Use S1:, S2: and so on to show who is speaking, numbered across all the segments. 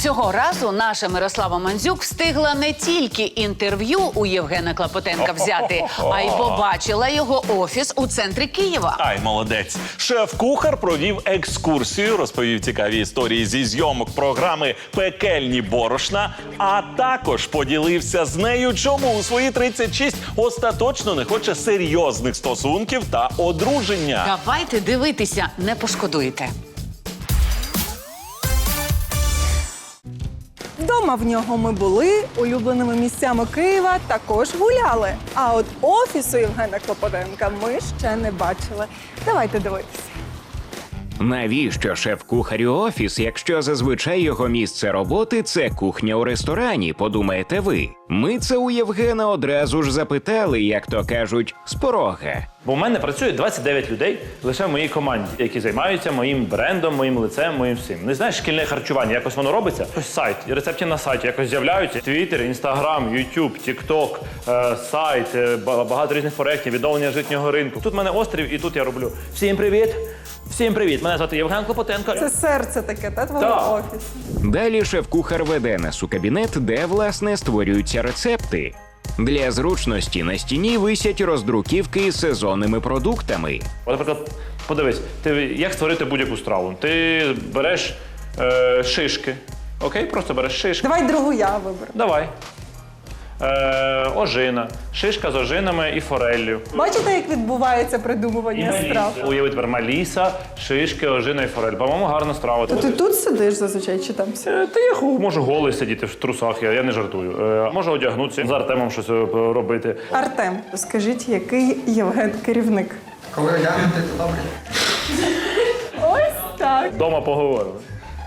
S1: Цього разу наша Мирослава Мандзюк встигла не тільки інтерв'ю у Євгена Клопотенка взяти, а й побачила його офіс у центрі Києва.
S2: Ай, молодець. Шеф-кухар провів екскурсію, розповів цікаві історії зі зйомок програми «Пекельні борошна», а також поділився з нею, чому у свої 36 остаточно не хоче серйозних стосунків та одруження.
S1: Давайте дивитися, не пошкодуєте.
S3: Вдома в нього ми були, улюбленими місцями Києва також гуляли. А от офісу Євгена Клопотенка ми ще не бачили. Давайте дивитися.
S4: Навіщо шеф-кухарю офіс, якщо зазвичай його місце роботи – це кухня у ресторані, подумаєте ви? Ми це у Євгена одразу ж запитали, як то кажуть, з порога.
S5: Бо в мене працює 29 людей лише в моїй команді, які займаються моїм брендом, моїм лицем, моїм всім. Не знаєш, шкільне харчування, якось воно робиться? Ось сайт, рецепти на сайті якось з'являються. Твіттер, Інстаграм, Ютуб, Тікток, сайт, багато різних проєктів, відновлення житнього ринку. Тут в мене острів і тут я роблю. Всім привіт! Всім привіт! Мене звати Євген Клопотенко.
S3: Це серце таке, та твого
S5: Так.
S3: офісу.
S4: Далі шеф-кухар веде нас у кабінет, де, власне, створюються рецепти. Для зручності на стіні висять роздруківки з сезонними продуктами.
S5: От, наприклад, подивись, як створити будь-яку страву. Ти береш шишки, окей? Просто береш шишки.
S3: Давай другу я виберу.
S5: Давай. Ожина. Шишка з ожинами і фореллю.
S3: Бачите, як відбувається придумування страв?
S5: Уяви тепер маліса, шишки, ожина і форель. По-моєму, гарна страва.
S3: То ти тут сидиш зазвичай чи там?
S5: Та я можу голий сидіти в трусах, я не жартую. Можу одягнутися, з Артемом щось робити.
S3: Артем, скажіть, який Євген керівник?
S6: Коли одягнути, то добре.
S3: Ось так.
S5: Дома поговорили.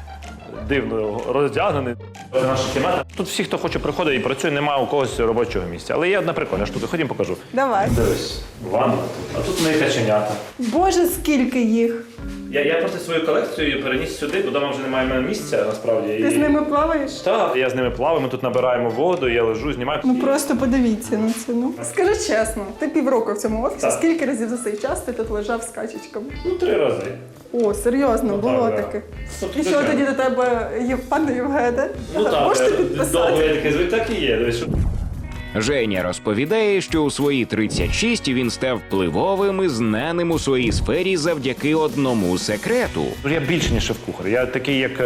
S5: Дивно роздягнений. Це наша кімната. Тут всі, хто хоче, приходить і працює, немає у когось робочого місця. Але є одна прикольна штука. Ходім, покажу.
S3: Давай.
S5: Дивись, ванна тут. А тут мої каченята.
S3: Боже, скільки їх.
S5: Я просто свою колекцію переніс сюди, бо вдома вже немає в мене місця, насправді.
S3: Ти з ними плаваєш?
S5: Так, я з ними плаваю, ми тут набираємо воду, я лежу, знімаю.
S3: Ну просто подивіться на це. Ну. Скажи чесно, ти півроку в цьому офісі,
S5: Так.
S3: скільки разів за цей час ти тут лежав з качечками?
S5: 3 рази.
S3: О, серйозно, було
S5: так, да.
S3: таке.
S5: Ну,
S3: І що
S5: звичайно.
S3: тоді до тебе, пане Євгене?
S5: Так,
S3: Можете
S5: довго
S3: підписати?
S5: я такий звик, так і є. Дивись, що-
S4: Женя розповідає, що у свої 36 він став впливовим і знаним у своїй сфері завдяки одному секрету.
S5: Я більше, ніж шеф-кухар. Я такий, як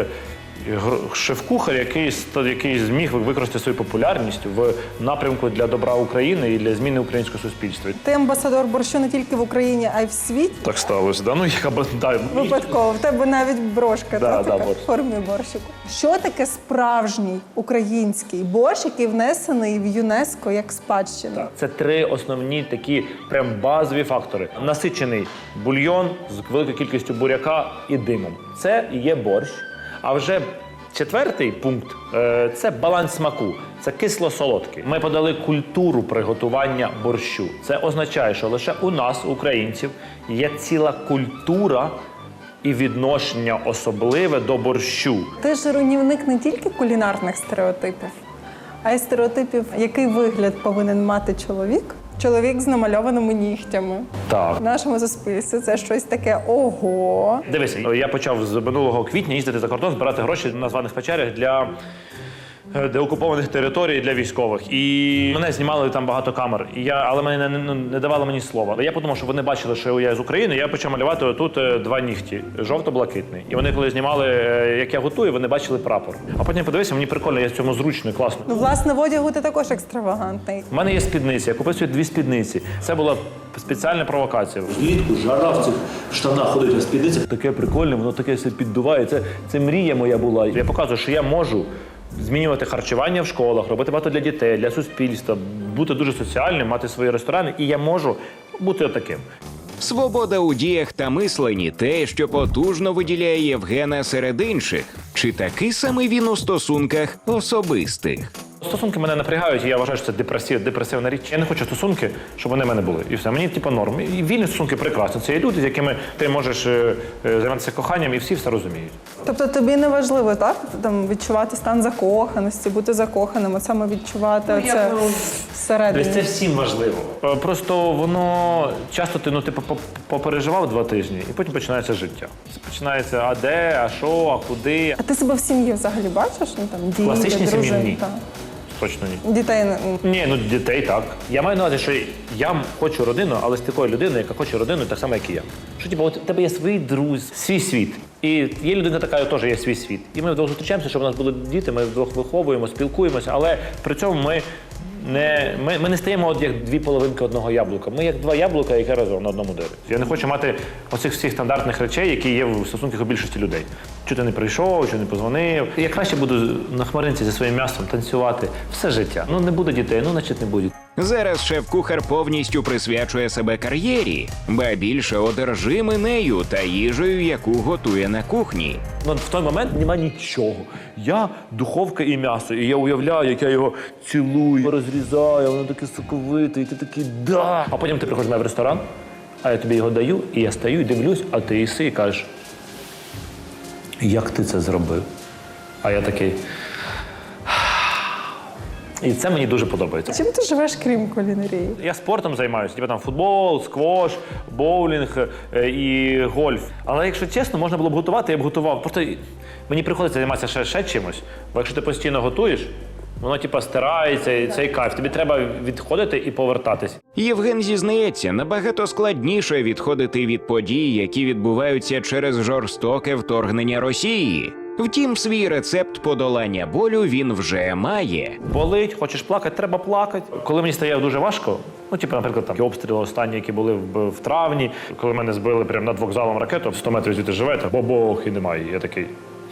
S5: шеф-кухар, який зміг використати свою популярність в напрямку для добра України і для зміни українського суспільства.
S3: Ти амбасадор борщу не тільки в Україні, а й в світі.
S5: Так сталося, да? Ну, да,
S3: Випадково. В тебе навіть брошка
S5: Да,
S3: така
S5: да,
S3: в формі борщику. Що таке справжній український борщ, який внесений в ЮНЕСКО як спадщина?
S5: Це 3 основні такі прям базові фактори. Насичений бульйон з великою кількістю буряка і димом. Це і є борщ. А вже 4-й пункт – це баланс смаку. Це кисло-солодкий. Ми подали культуру приготування борщу. Це означає, що лише у нас, українців, є ціла культура і відношення особливе до борщу.
S3: Ти ж руйнівник не тільки кулінарних стереотипів, а й стереотипів, який вигляд повинен мати чоловік. Чоловік з намальованими нігтями.
S5: Так.
S3: В нашому суспільстві це щось таке ого.
S5: Дивись, я почав з минулого квітня їздити за кордон, збирати гроші на званих печерях для деокупованих територій для військових. І мене знімали там багато камер. Але мене не давали мені слова. Але я подумав, що вони бачили, що я з України, я почав малювати отут 2 нігті, жовто-блакитний. І вони, коли знімали, як я готую, вони бачили прапор. А потім подивився, мені прикольно, я в цьому зручно і класно.
S3: Ну, власне, в одягу ти також екстравагантний.
S5: У мене є спідниці, я купив собі 2 спідниці. Це була спеціальна провокація.
S7: Влітку жара в цих штанах ходить, а спідниця. Таке прикольне, воно таке все піддуває. Це мрія моя була.
S5: Я показую, що я можу змінювати харчування в школах, робити багато для дітей, для суспільства, бути дуже соціальним, мати свої ресторани, і я можу бути отаким.
S4: Свобода у діях та мисленні – те, що потужно виділяє Євгена серед інших. Чи такий самий він у стосунках особистих?
S5: Стосунки мене напрягають, і я вважаю, що це депресивна річ. Я не хочу стосунки, щоб вони в мене були. І все. Мені норм. І вільні стосунки прекрасні. Це є люди, з якими ти можеш займатися коханням, і всі все розуміють.
S3: Тобто тобі не важливо, так? Там відчувати стан закоханості, бути закоханим, от саме відчувати всередині.
S5: Тобто це всім важливо. Просто воно часто ти попереживав 2 тижні, і потім починається життя. Починається а де, а що, а куди.
S3: А ти себе в сім'ї взагалі бачиш? Ну, там, діти,
S5: Класичній сім'ї
S3: дружини,
S5: ні.
S3: та.
S5: Точно ні.
S3: Дітей
S5: Ні, ну дітей так. Я маю на увазі, що я хочу родину, але з такою людиною, яка хоче родину, так само, як і я. Що типу, от у тебе є свої друзі, свій світ. І є людина така, яка теж є свій світ. І ми вдвох зустрічаємося, щоб у нас були діти, ми вдвох виховуємо, спілкуємося, але при цьому ми не стаємо от як 2 половинки одного яблука. Ми як 2 яблука, які разом на одному дереві. Я не хочу мати оцих всіх стандартних речей, які є в стосунках у більшості людей. Чого ти не прийшов, чого не позвонив. Я краще буду на хмаринці зі своїм м'ясом танцювати все життя. Ну не буде дітей, ну значить не буде.
S4: Зараз шеф-кухар повністю присвячує себе кар'єрі, ба більше одержимий нею та їжею, яку готує на кухні.
S5: Ну, в той момент нема нічого. Я духовка і м'ясо, і я уявляю, як я його цілую, розрізаю, воно таке соковите, і ти такий да. А потім ти приходиш до мене в ресторан, а я тобі його даю, і я стою і дивлюсь, а ти їси і кажеш, як ти це зробив? А я такий. І це мені дуже подобається.
S3: Чим ти живеш, крім кулінарії?
S5: Я спортом займаюся, типу там футбол, сквош, боулінг і гольф. Але якщо чесно, можна було б готувати, я б готував. Просто мені приходиться займатися ще чимось. Бо якщо ти постійно готуєш, воно типу стирається, і цей кайф. Тобі треба відходити і повертатись.
S4: Євген зізнається, набагато складніше відходити від подій, які відбуваються через жорстоке вторгнення Росії. Втім, свій рецепт подолання болю він вже має.
S5: Болить, хочеш плакати, треба плакати. Коли мені стає дуже важко, ну, типу, наприклад, там обстріли останні, які були в травні, коли мене збили прямо над вокзалом ракету, 100 метрів звідти живете, бо-бох, і немає. Я такий.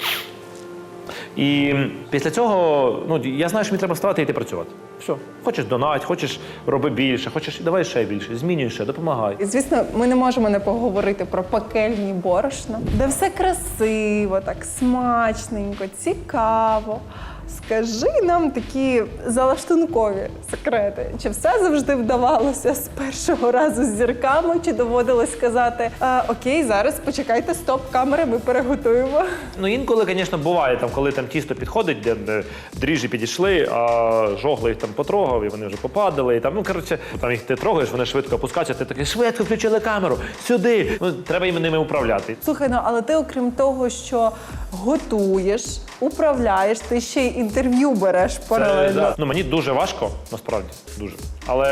S5: І після цього, ну, я знаю, що мені треба вставати і йти працювати. Все. Хочеш донать, хочеш роби більше, хочеш давай ще більше, змінюй ще, допомагай.
S3: І, звісно, ми не можемо не поговорити про пекельні борошна, де все красиво, так смачненько, цікаво. Скажи нам такі залаштункові секрети. Чи все завжди вдавалося з першого разу з зірками, чи доводилось сказати окей, зараз почекайте, стоп, камери, ми переготуємо?
S5: Ну, інколи, звісно, буває, там, коли там тісто підходить, де дріжджі підійшли, а жогли їх там потрогав, і вони вже попадали. І там, ну, коротше, там їх ти трогаєш, вони швидко опускаються, ти такий, швидко включили камеру, сюди. Ну, треба їм ними управляти.
S3: Слухай, ну, але ти, окрім того, що готуєш, управляєш, ти ще й інтерв'ю береш паралельно.
S5: Да. Ну, мені дуже важко, насправді, дуже. Але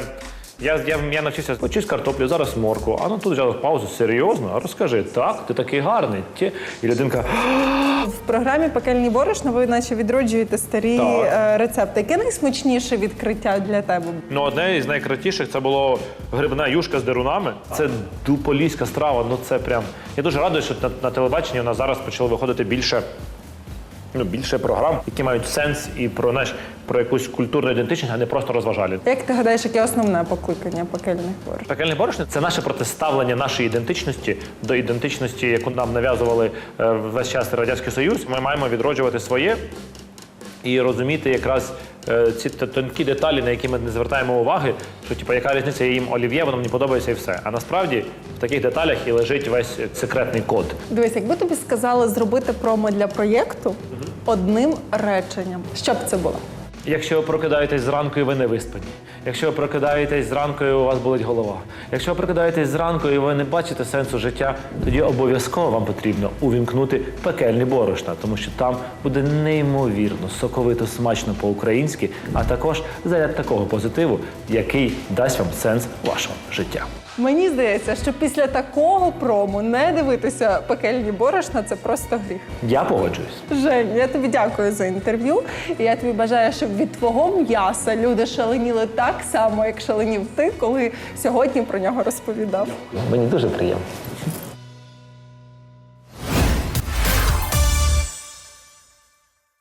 S5: я навчився, почись картоплю, зараз морку. А ну тут взяв паузу, серйозно? А розкажи, так, ти такий гарний. І людинка...
S3: В програмі «Пекельні борошна» ви наче відроджуєте старі рецепти. Яке найсмачніше відкриття для тебе?
S5: Ну, одне із найкратіших це було грибна юшка з дерунами. Це поліська страва, ну це прям... Я дуже радий, що на телебаченні у нас зараз почало виходити більше програм, які мають сенс і про якусь культурну ідентичність, а не просто розважальні.
S3: Як ти гадаєш, яке основне покликання пекельних борошн?
S5: Пекельне борошно – це наше протиставлення нашої ідентичності до ідентичності, яку нам нав'язували весь час Радянський Союз. Ми маємо відроджувати своє і розуміти якраз ці тонкі деталі, на які ми не звертаємо уваги, що типу, яка різниця, я їм олів'є, воно мені подобається і все. А насправді в таких деталях і лежить весь секретний код.
S3: Дивись, якби тобі сказали зробити промо для проєкту одним реченням, що б це було?
S5: Якщо ви прокидаєтесь зранку і ви не виспані, якщо ви прокидаєтесь зранку і у вас болить голова, якщо ви прокидаєтесь зранку і ви не бачите сенсу життя, тоді обов'язково вам потрібно увімкнути пекельні борошна, тому що там буде неймовірно, соковито, смачно по-українськи, а також заряд такого позитиву, який дасть вам сенс вашого життя.
S3: Мені здається, що після такого промо не дивитися пекельні борошна – це просто гріх.
S5: Я погоджуюсь.
S3: Жень, я тобі дякую за інтерв'ю. І я тобі бажаю, щоб від твого м'яса люди шаленіли так само, як шаленів ти, коли сьогодні про нього розповідав.
S5: Мені дуже приємно.